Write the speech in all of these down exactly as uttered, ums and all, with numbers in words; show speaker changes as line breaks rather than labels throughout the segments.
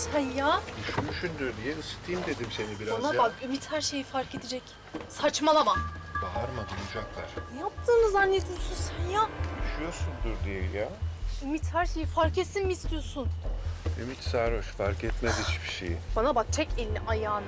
sen ya?
Üşümüşsündür diye ısıtayım dedim seni biraz
Bana
ya.
bak, Ümit her şeyi fark edecek. Saçmalama.
Bağırma, duyacaklar.
Ne yaptığını zannediyorsun sen ya?
Üşüyorsundur diye ya.
Ümit her şeyi fark etsin mi istiyorsun?
Ümit sarhoş, fark etmez hiçbir şeyi.
Bana bak, çek elini ayağını.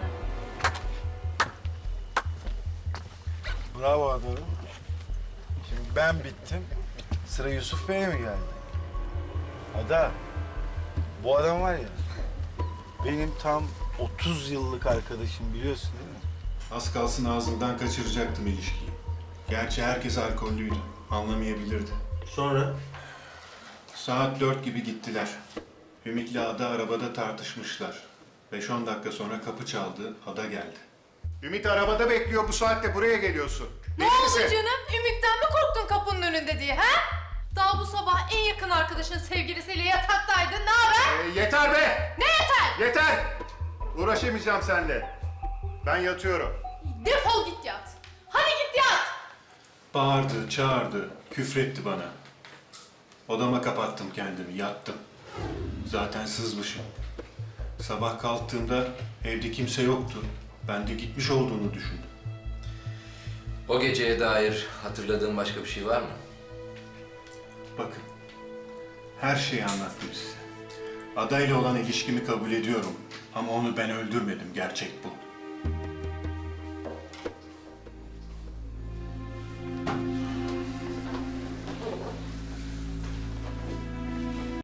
Bravo Adorun. Şimdi ben bittim. Sıra Yusuf Bey'e mi geldi? Ada, bu adam var ya, benim tam otuz yıllık arkadaşım, biliyorsun değil mi?
Az kalsın ağzından kaçıracaktım ilişkiyi. Gerçi herkes alkollüydü. Anlamayabilirdi.
Sonra?
Saat dört gibi gittiler. Ümit'le Ada arabada tartışmışlar. Beş on dakika sonra kapı çaldı, Ada geldi. Ümit arabada bekliyor, bu saatte buraya geliyorsun.
Ne oldu canım? Ümit'ten mi korktun kapının önünde diye, ha? Daha bu sabah en yakın arkadaşın sevgilisiyle yataktaydın. Ne haber?
Ee, yeter be!
Ne yeter?
Yeter! Uğraşamayacağım seninle. Ben yatıyorum.
Defol git yat. Hadi git yat.
Bağırdı, çağırdı, küfretti bana. Odama kapattım kendimi, yattım. Zaten sızmışım. Sabah kalktığımda evde kimse yoktu. Ben de gitmiş olduğunu düşündüm.
O geceye dair hatırladığın başka bir şey var mı?
Bakın, her şeyi anlattım size. Adayla olan ilişkimi kabul ediyorum. Ama onu ben öldürmedim, gerçek bu.